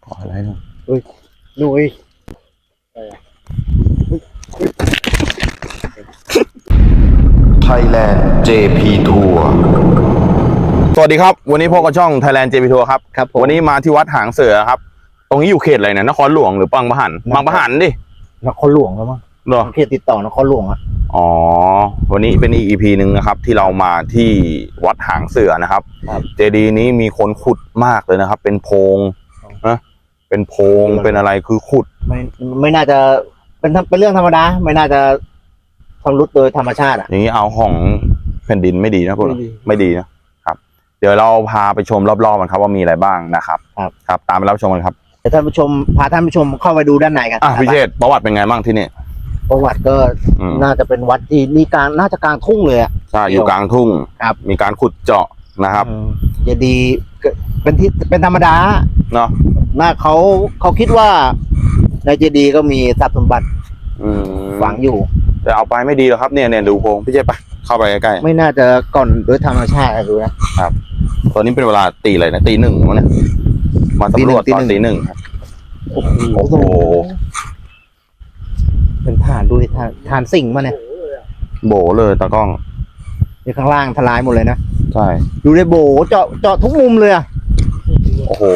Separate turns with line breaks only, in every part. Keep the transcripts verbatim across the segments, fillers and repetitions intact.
ออะไรเนาะ
เฮ้ยหนุ่ย
Thailand เจ พี Tour
สวัสดีครับวันนี้พบกับช่อง Thailand เจ พี Tour ครับครับวันนี้มาที่วัดหางเสือครับตรงนี้อยู่เขตอะไรเนี่ยนครหลวงหรือบางปะหันบางปะหันดิ
นครหลวงแล้วมั้ง
เหรอ
เขตติดต่อนครหลวงอ่ะ
อ๋อวันนี้เป็นอีก อี พี หนึ่งนะครับที่เรามาที่วัดหางเสือนะครับเจดีย์นี้มีคนขุดมากเลยนะครับ เป็นโพรงนะเป็นโพรงเป็นอะไรคือขุด
ไม่ไม่น่าจะเป็นเป็นเรื่องธรรมดาไม่น่าจะชำรุดโดยธรรมชาติอ่ะ
อย่างนี้เอาของแผ่นดินไม่ดีนะพวกเราไม่ดีนะครับ เดี๋ยวเราพาไปชมรอบๆกันครับว่ามีอะไรบ้างนะครับครับครับตามไปรับชมกันครับ
เดี๋ยวท่านผู้ชมพาท่านผู้ชมเข้าไปดูด้านในกัน
อ่ะพิเชษประวัติเป็นไงบ้างที่นี่
ประวัติก็
อืม
น่าจะเป็นวัดที่นี่กลางน่าจะกลางทุ่งเลยอ่ะ
ใช่อยู่กลางทุ่ง
ครับ
มีการขุดเจาะนะครับ
อืมจะดีก็เป็นที่เป็นธรรมดา
เนาะ
น่าเขาเขาคิดว่าในเจดีย์ก็มีทรัพย์สมบัติ
อืม
ฝังอยู่
แต่เอาไปไม่ดีหรอกครับเนี่ยเนี่ยดูโพรงพี่เชษไปเข้าไปใกล้
ไม่น่าจะก่อนโดยธรรมชาติดูนะ
ๆครับตอนนี้เป็นเวลาตีอะไรนะตีหนึ่งมั้งเนี่ยมาสำรวจตอนตีหนึ่งครับ
โอ้โห
โอ้โห
เป็นฐานดูดิฐานฐานสิ่งมาเนี่ย
โบเลยตากล้อง
ในข้างล่างทลายหมดเลยนะ
ใช่
ดูได้โบเจาะเจาะทุกมุมเลยอ่ะ
โอ้โห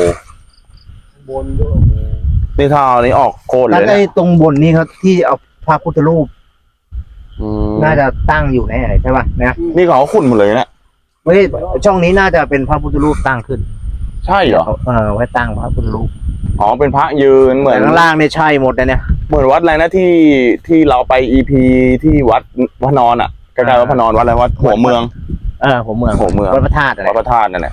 นี่ถ้าเอาอันนี้ออกโคตร
แล้ว
เลย
ไอ้
นะ
ตรงบนนี่เขาที่เอาพระพุทธรูป
อืม
น่าจะตั้งอยู่ในไหนใช่ป่ะนะ
นี่เขาขุดหมดเลยนะ
ไม่ใช่ช่องนี้น่าจะเป็นพระพุทธรูปตั้งขึ้น
ใช่เหรอ
เออไว้ตั้งพระพุทธรูป
อ๋อเป็นพระยืนเหมือน
แต่ข้างล่างเนี่ยใช่หมดเลยเนี่ย
เหมือนวัดอะไรนะที่ที่เราไปอีพีที่วัดพระนอนอ่ะใกล้ๆวัดพระนอนวัดอะไรวัดหัวเมือง
เออผมเมือง
หัวเมือง
วัดพระธาตุอะไร
วัดพระธาตุนั่นแหละ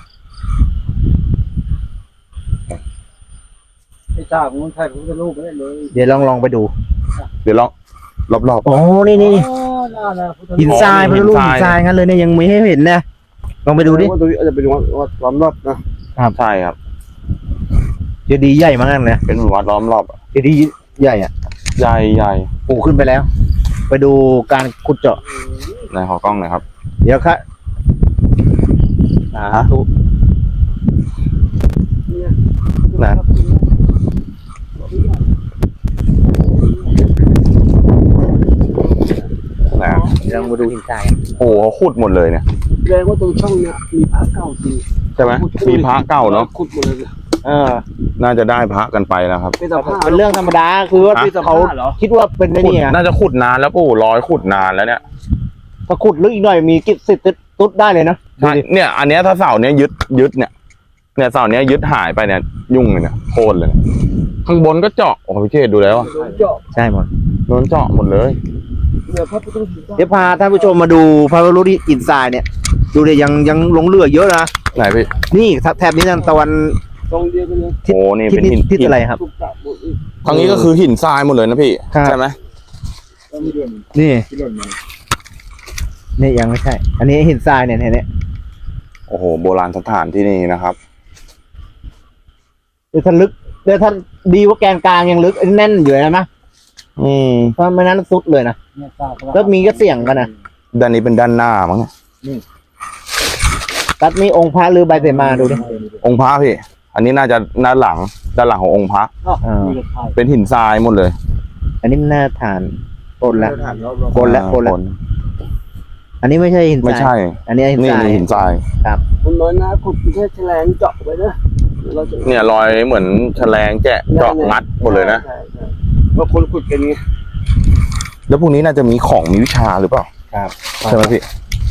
ไอ้เจ้ามันถ่ายรูปรูปไม่ได้เลย
เดี๋ยวลองลองไปดู
เดี๋ยวลองรอบ
โอ้นี่นี่นี่
อ๋อน่าน่ะพุทธ
หินทราย
อ๋อ
พระพุทธรูป
หิ
หิ
น
น
ท
ท
ราร
าย ยงั้นเลยเนี่ยยังไม่ให้เห็นนะลองไปดูดิ
ว่าตัวนี้อาจจะเป็นวัดวัดล้อมรอบนะ
ๆใช่ครับ
เจดีย์ใหญ่มากเลย
เป็นวัดล้อมรอบอะ
เจดีย์ใหญ่อ่ะ
ใหญ่ใหญ่
ปูขึ้นไปแล้ว ไปดูการขุดเจาะ
ในหอกล้องหน่อยครับ
เดี๋ยวครับสาธุ
นะนะ
เดี๋ยวลองมาดูหินทราย
โอ้โหเขาขุดหมดเลยเนี่ย
แสดงว่าตรงช่องเนี้ยมีพระเก่าจริง
ใช่ไหมมีพระเก่าเนาะ
ขุดหมดเลย
เออ
น่าจะได้พระกันไปแล้วครับ
เป็นสภาพ
เป็นเรื่องธรรมดาคือว่า
ฮะ
เขาคิดว่าเป็นไอ้นี่ไง
น่าจะขุดนานแล้วปู่ร้อยขุดนานแล้วเนี่ย
ถ้าขุดลึกอีกหน่อยมีกิจสิทธิ์ตุ๊ดได้เลยนะ
ใช่เนี่ย อันเนี้ยถ้าเสาเนี้ยยึดยึดเนี่ย เนี่ยเสาเนี้ยยึดหายไปเนี่ยยุ่งเลยเนี่ยโค่นเลยเนี่ยข้างบนก็เจาะโอ้โหพี่เชษดูแล้วอะ
เจาะ
ใช่หมด
โดนเจาะหมดเลย
เนี่ยพระพุทธรูป
เดี๋ยวพาท่านผู้ชมมาดูพระพุทธรูปหินทรายเนี่ย ดูเลยยังยังหลงเหลือเยอะนะ
ไหนพี่
นี่แถบนี้ทางตะวัน
ตรงเดียวกันเลย
ทิศ
โอ้นี่
ทิศ
เป็นหิน
ทิศอะไรครับ
ถูกจับหมดอีก
ทางนี้ก็คือหินทรายหมดเลยนะพี่
ครับ
ใช่ไหม
แล้วมีเดือน
นี่
ที่หล่นมา
นี่ยังไม่ใช่ อันนี้หินทรายเนี่ยเนี่ยเนี่ย
โอ้โหโบราณสถานที่นี่นะครับ
เดี๋ยวท่านลึกเดี๋ยวท่านดีว่าแกนกลางยังลึกแน่นอยู่เลยนะ
อืม
เพราะไม่นั้นสุดเลยนะ
เนี่ยทราบ
แล้วมีก็เสี่ยงกันนะ
ด้านนี้เป็นด้านหน้ามั้งเนี่ย
ตัดมีองค์พระหรือใบเสมาดูดิ
องค์พระพี่ อันนี้น่าจะด้านหลังด้านหลังขององค์พระ
อ่า
มีกระถ่าย
เป็นหินทรายหมดเลย
อันนี้มันน่าทานปนแล้ว
ถ่ายรอบ
คนละคนละ อันนี้ไม่ใช่หินทราย
ไม่ใช่
อันนี้หิน
นี่
ทราย
หินทราย
ๆมันน้อยนะขุดแค่แฉลงเจาะไปนะเราจะ
เนี่ยรอยเหมือนแฉลงแกะเจาะงัดหมดเลยนะ
ใช่ใช่บางคนขุดกันไง
แล้วพวกนี้น่าจะมีของมีวิชาหรือเปล่า
ครับ
ใช่ไหมพี่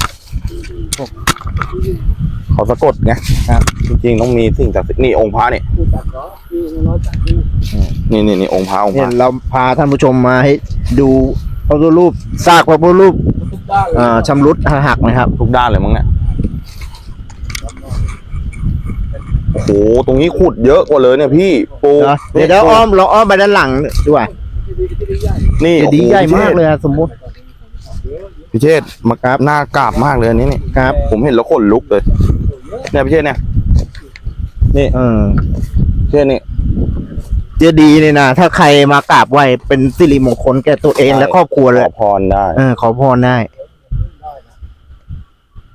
เขาสะกดไง
ครับ
จริงๆต้องมีสิ่งศักดิ์สิทธิ์นี่องค์พระนี่
ขุดจับเหรอมีน้อยจับนี่
นี่นี่นี่องค์พระองค์พ
เนี่ย
ระ
เราพาท่านผู้ชมมาให้ดูพระพุทธรูปซากพระพุทธรูป
ทุกด้านเลย
อ่าชำรุดหักนะครับ
ทุกด้านเลยมั้งเนี่ยโอ้โหตรงนี้ขุดเยอะกว่าเลยเนี่ยพี่ปู
เดี๋ยวเดี๋ยวอ้อมเราอ้อมไปด้านหลังด้วย
นี่
จะดี
โอ้โ
ใหญ่มากเลยอะสมมุติ
พี่เชษฐ์มากราบหน้ากราบมากเลยอันนี้นี่
ครับ
ผมเห็นแล้วขนลุกเลยเนี่ยพี่เชษฐ์เนี่ยนี่
เออ
พี่เชษฐ์นี่
เจดีย์เนี่ยนะถ้าใครมากราบไหว้เป็นสิริมงคลแก่ตัวเองและครอบครัวเลย
ขอพรได้
เออขอพรได้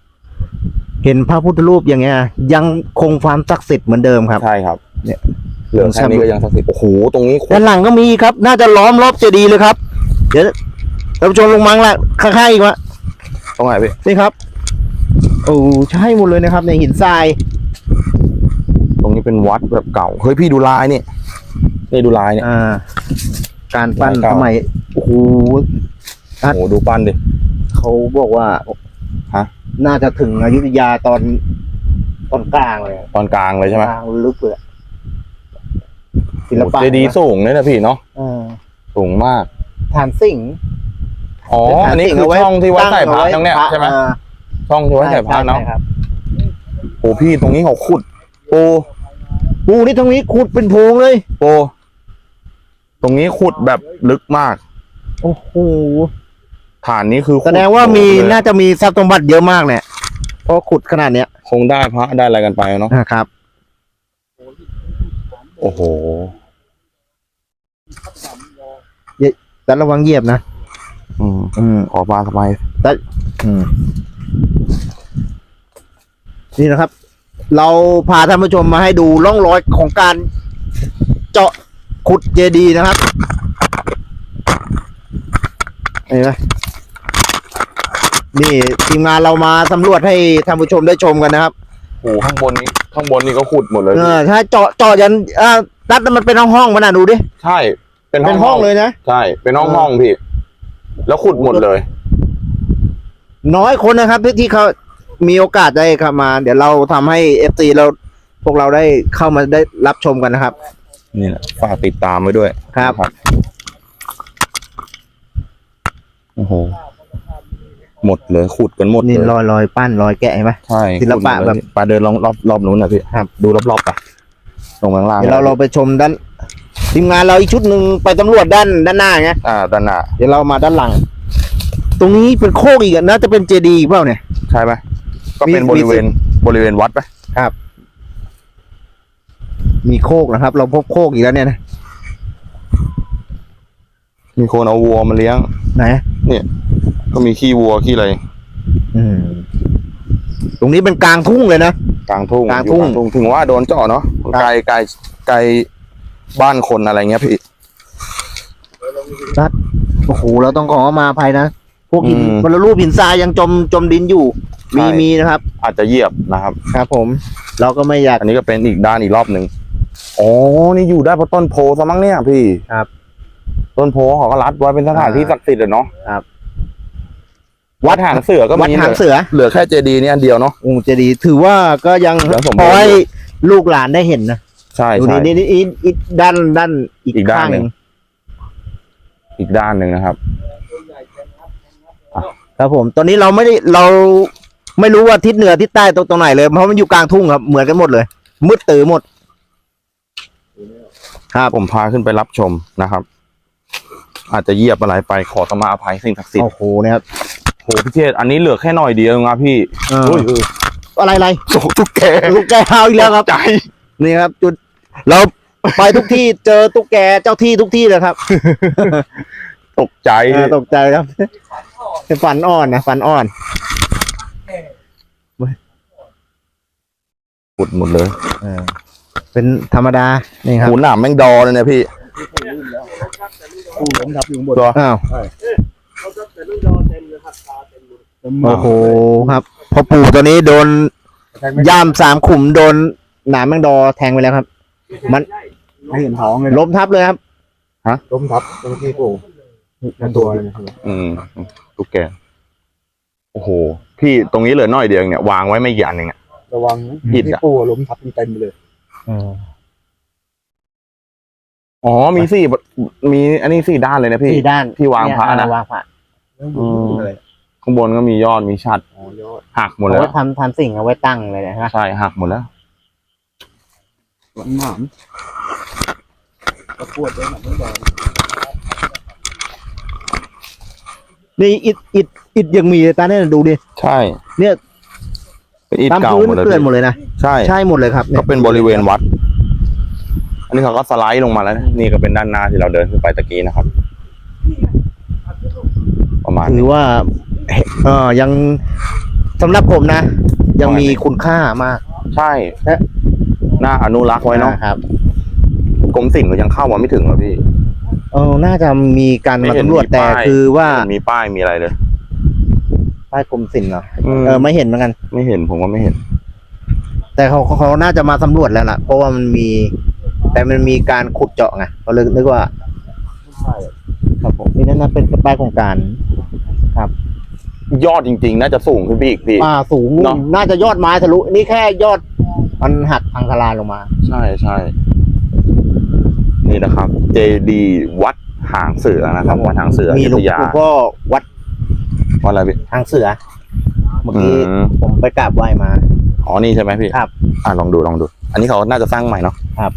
เห็นพระพุทธรูปอย่างเงี้ย ยังคงความศักดิ์สิทธิ์เหมือนเดิมครับ
ใช่ครับ
เนี่ย
เหลือแค่นี้ก็ยังศักดิ์สิทธิ์โอ้โหตรงนี้
ด้านหลังก็มีอีกครับ น่าจะล้อมรอบเจดีย์เลยครับ เดี๋ยวท่านผู้ชมลงมังละข้างๆอีกวะ
ตรงไหนพี่
นี่ครับ โอ้ใช่หมดเลยนะครับในหินทราย
ตรงนี้เป็นวัดแบบเก่าเฮ้ยพี่ดูลายนี่นี่ดูลายเนี่ย
อ่า การปั้น
ลายเก่า
สมัยโอ้โห
โอ้โหดูปั้นดิ
เขาบอกว่า
ฮะ
น่าจะถึงอยุธยาตอนตอนกลางเลย
ตอนกลางเลยใช่ไหม
กลางลึกเลยอะศิลปะ
เจดีย์สูงเลยนะพี่เนาะ
อ่า
สูงมาก
ฐานสิ่งห์
อ๋ออันนี้คือช่องที่ไว้ใส่พระตรงเนี้ยใช่ไหม
อ่า
ช่องที่ไว้ใส่พระเนาะ
ใช่ครับ
โอ้พี่ตรงนี้เขาขุดปู
ปูนี่ตรงนี้ขุดเป็นโพรงเลย
ปูตรงนี้ขุดแบบลึกมาก
โอ้โห
ฐานนี้คือขุ
แสดงว่ามี
เลย
น่าจะมีทรัพย์สมบัติเยอะมากเนี่ยเพราะขุดขนาดเนี้ย
คงได้พระได้อะไรกันไปเนาะ
นะครับ
โอ้โห
แต่ระวังเหยียบนะ
อืม
อืม
ขอปลาสบาย
แต่อืมนี่นะครับ เราพาท่านผู้ชมมาให้ดูร่องรอยของการเจาะขุดเจดีย์นะครับเห็นไหมนี่ทีมงานเรามาสำรวจให้ท่านผู้ชมได้ชมกันนะครับ
โอ้โหข้างบนนี้ข้างบนนี่ก็ขุดหมดเลย
เออถ้าเจาะเจาะยันอ่าตัดมันเป็นห้องห้องๆมันน่ะดูดิ
ใช่ เป็น
เป็นห้องเลยนะ
ใช่ เป็นห้องห้องพี่ แล้วขุดหมดเลย
น้อยคนนะครับที่ที่เขามีโอกาสได้เข้ามา เดี๋ยวเราทำให้เอฟซีเราพวกเราได้เข้ามาได้รับชมกันนะครับ
นี่แหละฝากติดตามไว้ด้วย
ครับ
นะโอ้โห หมดเลยขุดกันหมด
นี่
เลย
รอยรอยปั้นรอยแกะเห็นไหม
ใช่
ศิลปะ
ขุดหมดเย
แบบ
ปลาเดินลองรอบรอบนู้นนะพี่
ครับ
ดูรอบๆไปลงข้างล่าง
เดี๋ยวเราเราไปชมด้านทีมงานเราอีกชุดหนึ่งไปตำรวจด้านด้านหน้าไง
อ่าด้านหน้า
เดี๋ยวเรามาด้านหลัง ตรงนี้เป็นโคกอีกอะน่าจะเป็นเจดีย์อีกเปล่าเนี่ย
ใช่ไหมก็เป็น
มี
บริเวณบริเวณวัดไป
มีโคกนะครับ เราพบโคกอีกแล้วเนี่ยนะ
มีคนเอาวัวมาเลี้ยง
ไหน
เนี่ย ก็มีขี้วัวขี้อะไร
อืม ตรงนี้เป็นกลางทุ่งเลยนะ
กลางทุ่ง
กลางทุ่ง
อยู่ถึงว่าโดนเจาะเนาะไกลไกลไกลบ้านคนอะไรเงี้ยพี่
โอ้โหเราต้องขอมาอภัยนะพวกหิน
อืม
บรรลุหินทรายยังจมจมดินอยู่ มี
ใช่
มีนะครับ
อาจจะเหยียบนะครับ
ครับผม เราก็ไม่อยาก
อันนี้ก็เป็นอีกด้านอีกรอบหนึ่งอ๋อ นี่อยู่ได้เพราะต้นโพซะมั้งเนี่ยพี่
ครับ
ต้นโพเขาก็รัดไว้เป็นสถานที่ศักดิ์สิทธิ์อะเนาะ
ครับ
วัดหางเสือก็มี
วัดหางเสือ
เหลือแค่เจดีย์นี่อันเดียวเนาะ
โอ้เจดีย์ถือว่าก็ยัง
ยังสมบูรณ์
พอให้ลูกหลานได้เห็นนะ
ใช่
ดู
ใช่
นี่นี่นี่อีกด้านด้านอีก
อีกด้าน
ข้าง
ห
ห
นึ่
นึ่
ง
ง
อีกด้านหนึ่งนะครับ
ครับผม ตอนนี้เราไม่ได้เราไม่รู้ว่าทิศเหนือทิศใต้ตรงตรงไหนเลยเพราะมันอยู่กลางทุ่งครับเหมือนกันหมดเลย มืดตื่อหมด ครับ
ผมพาขึ้นไปรับชมนะครับ อาจจะเหยียบอะไรไปขอสมาอภัยสิ่งศักดิ์สิทธิ์
โอ้โหเนี่ยครับ
โหพี่เชษอันนี้เหลือแค่หน่อยเดียวนะพี่
เออ
โอ้ยเออ
อะไรอะไร
โอ้โหตุ๊กแก
ตุ๊กแกเอาอีกแล้วครับ
ใจ
นี่ครับ จุดเราไปทุกที่เจอตุ๊กแกเจ้าที่ทุกที่เลยครับ
ตกใจ
เออตกใจครับเป็นฟันอ่อนนะฟันอ่อน
ขุดหมดเลย
เออเป็นธรรมดานี่ครับ
หูหนามแม่งดอเลยเนี่ยพี่
ผู้ล้มทับอยู่ข้างบน
ตัว
อ้าว
เขาจะแต่ลูกดอเต็มเลยครับตาเต็มเลยเต็ม
โอ้โหครับพอปู่ตัวนี้โดนย่ามสามขุมโดนหนามแมงดอแทงไปแล้วครับ มัน
ไม่เห็นท้องเลย
ล้มทับเลยครับ
ล้มทับตรงที่ปู่ทั้งตัวเลยนะครับ
อืมตุ๊กแก โอ้โห พี่ตรงนี้เหลือหน่อยเดียวเองเนี่ยวางไว้ไม่กี่อันเองอะ
ระวังนะ
ผิด
ที่
อะ
ปู่ล้มทับเต็มไปเลย
อ๋อมีสี่มีอันนี้สี่ด้านเลยนะพี่
สี่ด้าน
ที่วางพระนะ
เยวางพระ
อืม ข้างบนก็มียอดมีชัด
อ๋อยอด
หักหมด
เอา
แล้ว
ไว้ทำทำสิ่งเอาไว้ตั้งเลยนะฮะ
ใช่หักหมดแล้ว
หลังหนามตะกรวดเลยหนักไม่ดอ
นี่อิดอิดอิดยังมีเลยตาเนี่ยดูดิ
ใช่
เนี่ย
เป็นอิฐ
ตาม
เก่า
พื้น
หมดเลย
เกลื่อนหมด
พี่
เลยนะ
ใช่
ใช่หมดเลยครับย
ก็เป็นบริเวณวัด อันนี้เขาก็สไลด์ลงมาแล้วนะนี่ก็เป็นด้านหน้าที่เราเดินขึ้นไปตะกี้นะครับ ประมาณ
ถื
นี้
อว่าเออยังสำหรับผมนะ ยังมีคุณค่ามาก
ใช่
และ
น่าอนุรักษ์ไว้เนาะ
ครับ
กรมศิลป์ก็ยังเข้ามาไม่ถึงหรอพี่
เออน่าจะมีการมา
ไเห็น
สำรวจแต่
ป้ย
คือว่า
ไม่เห็นมีป้ายมีอะไรเลย
ป้ายกรมศิลป์เหรอ
อืม
เออไม่เห็นเหมือนกัน
ไม่เห็นผมว่าไม่เห็น
แต่เขาเขาเขาน่าจะมาสำรวจแล้วล่ะ เพราะว่ามันมี แต่มันมีการขุดเจาะไงเขาเลยนึกว่า ครับผมนี่นั่นนะเป็นป้ายโครงการ
ยอดจริงๆ น่าจะสูงขึ้นพี่อีกพี่
อ่าสูง
เนอะ
น่าจะยอดไม้ทะลุนี่แค่ยอดมันหักพังทลายลงมา
ใช่ใช่นี่นะครับ เจดีย์วัดหางเสือนะครับวัดหางเสืออ
มี
ยุ
หลว
ธ
ง
ยา
ปู่ก็วัด
วัดอะไรพี่
ทางเสือเมื่อกี้
อืม
ผมไปกราบไหว้มา
อ๋อนี่ใช่ไหมพี่
ครับ
อ่าลองดูลองดู อันนี้เขาน่าจะสร้างใหม่เนาะ
ครับ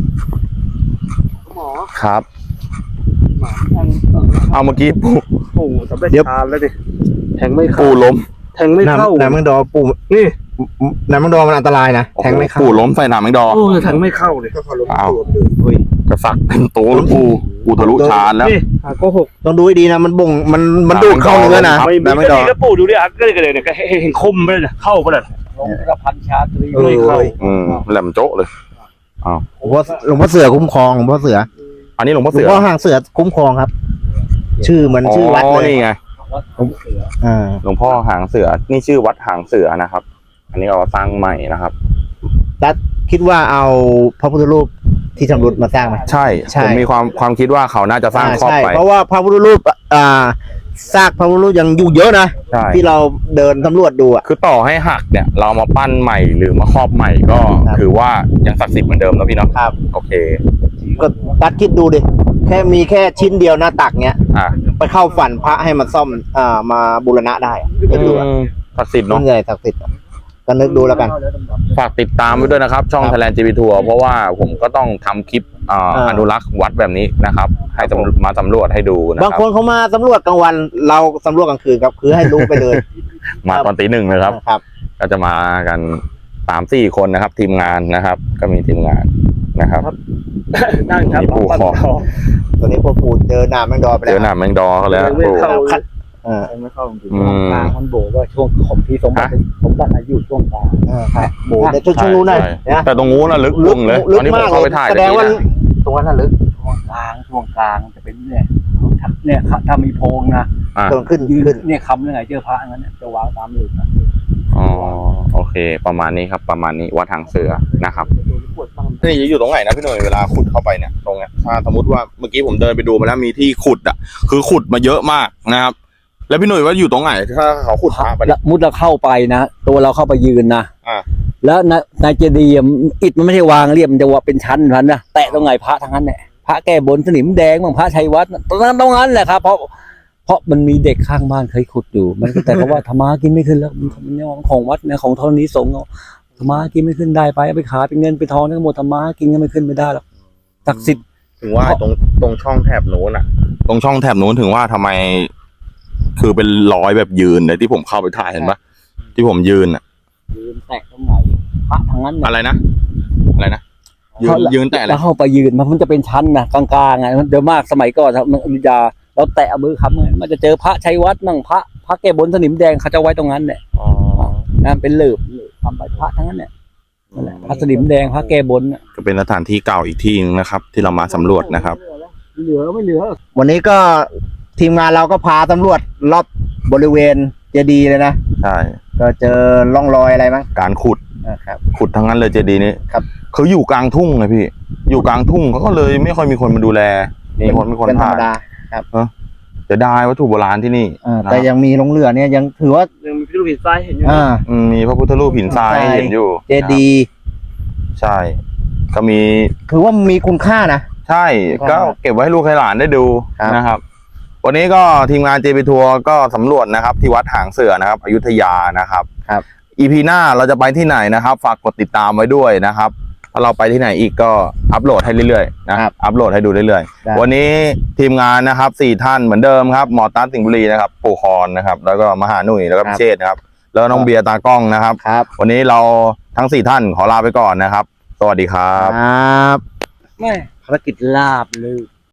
หมอ
ครับ
หมาทาง
เอาเมื่อกี้ปู่
ปู่สำเร็จ
เดี๋ยว
ฌานแล้วดิแทงไม่เข้า
ปู่ล้ม
แทงไม่เข้า
น้ำน้ำมังดอปู่
นี่
น้ำมังดอมันอันตรายนะแทงไม่เข้า
ปู่ล้มใส่หนามแมงดอ
โอ้แทงไม่เข้าเลยก็เขาลง
อ้าว
ตัวเลย
อุ้ย
กระสักเป็นโตแล้วปู่ปู่ทะลุชานแล้ว
นี่หาโกหก
ต้องดูให้ดีนะมันบ่งมันมันดูดเข้าเนื้อนะครับ
ไม่มี
น้ำมัง
ก็
ดอ
ดีก็ปู่ดูดิอ่ะก็เลยก็เลยเนี่ยก็เห็นเห็นคมไปเลยเนี่ยเข้าไปเลยลงกระพันชาตรี
เออ
ไม่เข้า
อืมแหลมโจ๊ะเลย
หลวงพ่อหลวงพ่อเสือคุ้มครองหลวงพ่อเสือ
อันนี้หลวงพ่อ
หลว
เสื
ง
อ
พ่อห่างเสือคุ้มครองครับ ชื่อเหมือนชื่อวัดเลย
นี่ไง
อ่า
หลวงพ่อหางเสือ นี่ชื่อวัดหางเสือนะครับ อันนี้เราสร้างใหม่นะครับ
ตัดคิดว่าเอาพระพุทธรูปที่ชำรุดมาสร้างไหม
ใช่
ใช่
ผมมีความความคิดว่าเขาน่าจะสร้างครอบ
ใช่
ไป
เพราะว่าพระพุทธรูปอ่าซากพระพุทธรูปยังอยู่เยอะนะ
ใช่
ที่เราเดินสำรวจดูอ่ะ
คือต่อให้หักเนี่ย เรามาปั้นใหม่หรือมาครอบใหม่ก็
ครับ
ถือว่ายังศักดิ์สิทธิ์เหมือนเดิมนะพี่เนาะ
ครับ
โอเค
ก็ตัดคิดดูดิแค่มีแค่ชิ้นเดียวหน้าตักเนี้ย
อ่ะ
ไปเข้าฝันพระให้มันซ่อมอ่ามาบูรณะได้อะนึกดูอะ
อืมศักดิ์สิทธิ์
ต้
เนาะ
นใหญ่ศักดิ์สิทธิ์อะก็นึกดูแล้วกัน
ฝากติดตามไว้ด้วยนะครับ ช่อง
ครับ
Thailand จี พี ทัวร์เพราะว่าผมก็ต้องทำคลิปอ่า
อ่า
อนุรักษ์วัดแบบนี้นะครับ ให้สำมาสำรวจให้ดูนะ
บาง
ครั
ค
บ
นเขามาสำรวจกลางวัน เราสำรวจกลางคืนครับ คือให้รู้ไปเลย
มาตอนตีหนึ่งเลยครับ
ครับ
ก็จะมากันสามสี่คนนะครับ ทีมงานนะครับ ก็มีทีมงานนะครับ
นั่งครับ
มีปู่ขอ
ตอนนี้พวกปู่เจอหน้าแมงดอไป
เจ
แล้ว
อหนามแมงดอเขาแล้ว
ไม่
ปู่
เข้า
คัดเออ
แทงไม่เข้าจริง
อืม
กลางมันโบว่าช่วงของพี่สมบัติสมบัติอายุช่วงกลาง
เออครับโบในช่วงช่วงนู้นน่ะ
ใช่
นะ
แต่ตรงนู้นน่ะลึกลงเลย
ลึ
ต
ก
อนนี้ผม
มาก
เข้า
เล
ไป
ย
ถ่าย
แสดงว่า
ตะกี้นะ
ตรงนั้นน่ะลึก
ช่วงกลางช่วงกลางจะเป็นเนี่ยเนี่ยถ้ามีโพรงนะ
อ่ะ
ตรงขึ้น
ยืน
ขึ้น
เนี่ยคำยังไงเจอพระอย่างนั้นเนี่ยจะวางตามหลืบนะ
อ๋อโอเค ประมาณนี้ครับ ประมาณนี้วัดทางเสือนะครับนี่อยู่ตรงไหนนะพี่หน่อยเวลาขุดเข้าไปเนี่ยตรงเนี้ยถ้าสมมติว่าเมื่อกี้ผมเดินไปดูมาแล้วมีที่ขุดอ่ะ คือขุดมาเยอะมากนะครับ แล้วพี่หน่อยว่าอยู่ตรงไหนถ้าเขาขุดพระไป
แล้วมุดเราเข้าไปนะตัวเราเข้าไปยืนนะ
อ่า
แล้วในในเจดีย์อะอิฐมันไม่ใช่วางเรียบมันจะว่าเป็นชั้นชั้นนะแตะตรงไหนพระทั้งนั้นแหละพระแก้บนสนิมแดงบางพระชัยวัฒน์ตรงนั้นตรงนั้นแหละครับเพราะเพราะมันมีเด็กข้างบ้านเคยขุดอยู่ มันก็แต่ก็ว่าธรรมะกินไม่ขึ้นแล้วมันมันเนี่ยของวัดเนี่ยของธรณีสงฆ์เอาธรรมะกินไม่ขึ้นได้ไปเอาไปขายเป็นเงินเป็นทองทั้งหมดธรรมะกินก็ไม่ขึ้นไม่ได้หรอกศักดิ์สิทธิ์
ถึงว่าตรงตรงช่องแถบนู้นอ่ะ ตรงช่องแถบนู้นถึงว่าทำไม คือเป็นร้อยแบบยืนเลยที่ผมเข้าไปถ่ายเห็นปะที่ผมยืนอ่ะ
ยืนแตะตรงไหนพระทั้งนั้นน่ะ
อะไรนะอะไรนะยืนยืนแต่อะไร
แล้วเข้าไปยืนมันมันจะเป็นชั้นนะกลางๆไงมันเดี๋ยวมากสมัยก่อนครับมันอยุธยาเราแตะเอามือค้ำไงมันจะเจอพระชัยวัฒน์มั่งพระพระแก้บนสนิมแดงเขาจะไว้ตรงนั้นเนี่ย
อ๋อ
นั่นเป็นเหลือบทำไปพระทั้งนั้นเนี่ยนั่นแหละพระสนิมแดงพระแก้บนน่ะ
ก็เป็นสถานที่เก่าอีกที่นึงนะครับ ที่เรามาสำรวจนะครับ
เหลือไม่เหลือ
วันนี้ก็ทีมงานเราก็พาตำรวจรอบบริเวณเจดีย์เลยนะ
ใช่
ก็เจอร่องรอยอะไรมั้ง
การขุด
นะครับ
ขุดทั้งนั้นเลยเจดีย์นี้
ครับ
เขาอยู่กลางทุ่งไงพี่ อยู่กลางทุ่งเขาก็เลยไม่ค่อยมีคนมาดูแล มีคนมีคน
เป็นธร
ผ่าร
ม
น
ดา
จะได้วัตถุโบราณที่นี่
เออแต่ยังมีหลงเหลือเนี่ยยังถือว่า
ยังมีพิรุธทรายเห็นอยู่
อ่า
อืมมีพระพุทธรูปหินทรายให้เห็นอยู่
เจดีย์
ใช่ ก็มี
ถือว่ามีคุณค่านะ
ใช่ ก็เก็บไว้ให้ลูกให้หลานได้ดู
ครับ
นะครับ วันนี้ก็ทีมงาน เจ พี ทัวร์ก็สำรวจนะครับ ที่วัดหางเสือนะครับอยุธยานะครับ
ครับ
อี พี หน้าเราจะไปที่ไหนนะครับ ฝากกดติดตามไว้ด้วยนะครับถ้าเราไปที่ไหนอีกก็อัปโหลดให้เรื่อยๆนะครับ อัปโหลดให้ดูเรื่อย
ได้
ๆวันนี้ทีมงานนะครับสี่ท่านเหมือนเดิมครับหมอตั๊ดสิงห์บุรีนะครับปู่คอนนะครับ แล้วก็มหาหนุ่ยแล้วก็พิเชษนะครับ แล้วก็น้องเบียร์ตากล้องนะครับ
ครับ
วันนี้เราทั้งสี่ท่านขอลาไปก่อนนะครับ สวัสดีครับ
ครับ
แม่ภารกิจลาบเลย